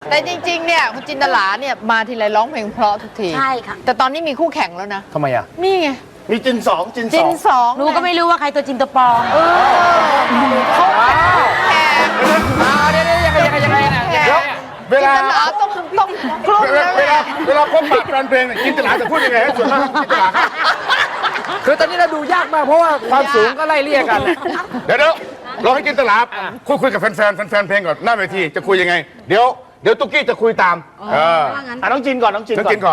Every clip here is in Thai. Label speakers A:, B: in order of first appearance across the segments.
A: แต่จริงๆเนี่ยคุณจินตลาเนี่ยมาทีไรร้องเพลงเพราะทุกที
B: ใช่ค่ะ
A: แต่ตอนนี้มีคู่แข่งแล้วนะ
C: ทำไมอ่ะ
A: นี่ไง
D: มีจินสอง
A: จินสอง
B: หนูก็ไม่รู้ว่าใครตัวจริงตัวปลอม
A: เขาแข่ง
D: เวลา
A: จินตลาต้องคลุ้มแล้ว
D: เว
A: แห
D: ลา
A: ละ
D: เวลาพบปะแฟนเพลงเนี่ยจินตลาจะพูดยังไงให้ส่วนมากจินตลาครับ
C: คือตอนนี้เราดูยากมากเพราะว่าความสูงก็ไล่เลี่ยกัน
D: เดี๋ยวเราให้จินตลาคุยกับแฟนเพลงก่อนหน้าเวทีจะคุยยังไงเดี๋ยวตุ๊กกี้จะคุยตาม
C: น้องจินก่อนน้องจิน
D: ฉันกินก่อน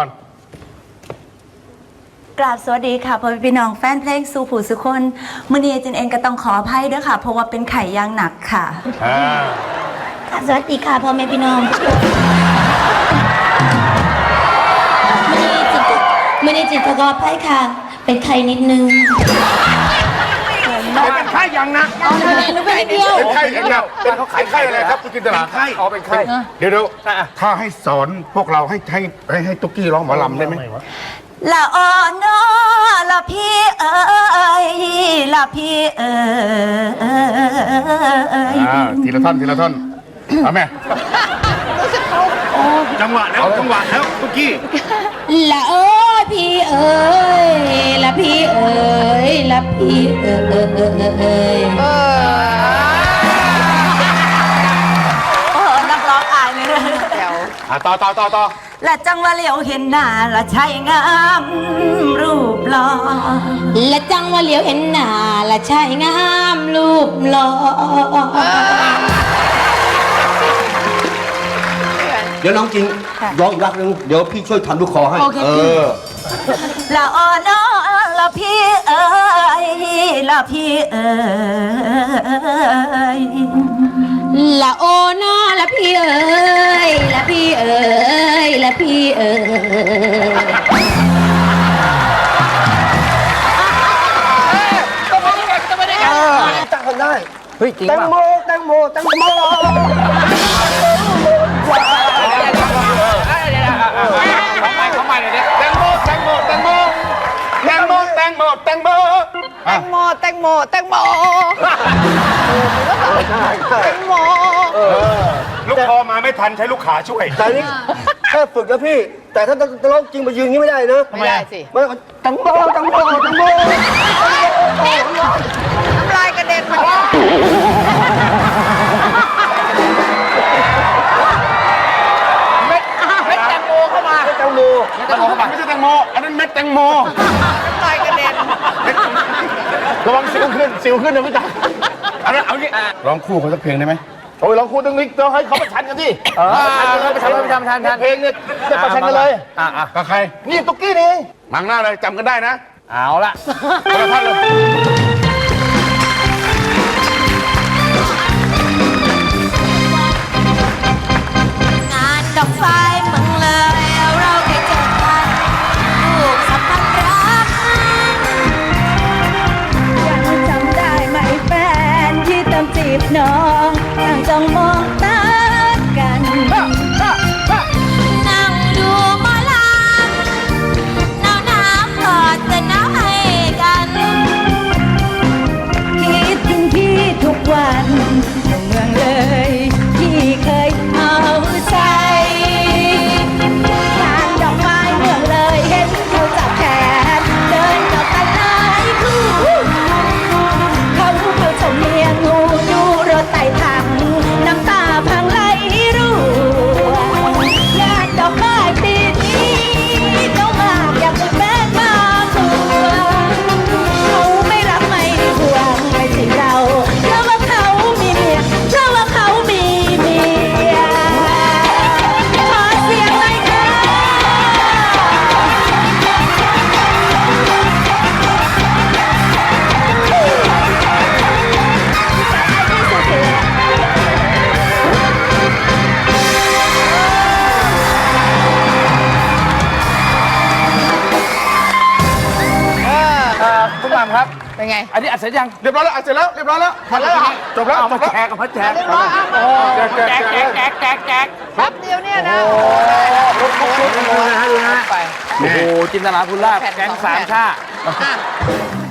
E: กราบสวัสดีค่ะพ่อพี่น้องแฟนเพลงสู่ผู้สุคนมื้อนี้จินเองก็ต้องขออภัยด้วยค่ะ เพราะว่าเป็นไข่ยางหนักค่ะสวัสดีค่ะพ่อแม่พี่น้องมื้อนี้จินขออภัยค่ะ เป็นไข่นิดนึง
D: เป็นไข้ยังนะ
B: หนูเป็นเดียว
D: เป็นไข้ยังนะเป็นไข้อะไรครับคุณจินตลาอ๋อเป็นไข้เดี๋ยวถ้าให้สอนพวกเราให้ตุ๊กกี้ร้องหมอลำได้ไหม
E: ละอ่อนนอละพี่เอ๋ยละพี่เอ๋ย
D: ทีละท่อนเอาแม่จังหวะแล้วตุ๊กกี้
E: ละเอ้ยพี่เอ๋ยละพี่เอ๋ยละพี่เอ๋ยโอ้นักร้องอายเลย
A: เดี๋ยว
D: ต่อ
E: ละจังว่าเหลียวเห็นหน้าละใช่งามรูปหล่อละจังว่าเหลียวเห็นหน้าละใช่งามรูปหล่อ
F: เดี๋ยวน้องจริงร้องอีกรอบนึงเดี๋ยวพี่ช่วยทำลูกคอให้
E: ละอ่อนอละพี่เอ๋ยละพี่เอ๋ยละโอนาละพี่เอ๋ยละพี่เอ๋ยละพี่เอ๋ย
F: ตั้งคนได้
C: เฮ้ยจริง
F: แตง
C: ป่ะ
F: โมแตงโมแตงโม
C: เขาใหม่เลยเนี่ย
D: แตงโม
A: แตงโมแตงโม
D: ลูกคอมาไม่ทันใช้ลูกขาช่วย
F: แต่นี่แค่ฝึกนะพี่ แต่ถ้าจะร้องจริงมายืนงี้ไม่ได้นะ
A: ไม่ได้สิ
F: ไม่แตงโมแตงโมแตงโม
A: น้ำลายกระเด็นมาเม็ดแตงโมเข้ามา
F: แตงโม
D: ไม่ใช่แตงโมอันนั้นเม็ดแตงโม
A: น้ำลายกระเด็น
D: ระวังสิวขึ้นนะพี่จ๋าเอางี้ร้องคู่เขาสักเพลงได้ไหมโอ้ยร้องคู่ต้องนี้ต้องให้เขาประชันกันสิ
C: ไปทำ
D: เพลงเนี่ยจะประชันกันเลยกับใครนี่ตุ๊กกี้นี่มังหน้าเลยจำกันได้นะ
C: เอาละ
D: คนละท่านเลย
E: งานดอกไฟเมืองเลยเราได้เจอกันลูกสัมพันธ์รักยังจำได้ไหมแฟนที่ตามจีบน้องต่างจ้องมองตากันนั่งดูหมอลำน้ำกอดแต่น้ำให้กันคิดถึงพี่ทุกวันเมืองเลยที่เคยเอาใจงานดอกไม้เมืองเลยเห็นเขาจับแขนเดินกับกันหลายคู่เขาชมเมียงูดูรถไต่ถังน้ำตาพังไหลร่วงงานดอกไม้ปีนี้เจ้ามากอยากเป็นแฟนมาตัวเขาไม่รักไม่ห่วงไม่ใช่เราเพราะว่าเขามีเมียเพราะว่าเขามีเมียขอเสียงหน่อยค่ะ
C: คุณหม่ำครับ
A: เป็นไง
C: อันนี้อัดเสร็จยัง
D: เรียบร้อยแล้วเสร็จแล้วเรียบร้อยแล้วหมดแล้วจบแล้ว
C: เอามาแจกมาแจก
D: แจก
A: แป๊บเดียวเนี่ยนะ
C: ดูนะ
A: ไป
C: โอ้โหจินตนาภูลาภแก๊งสามชา
A: อ่ะ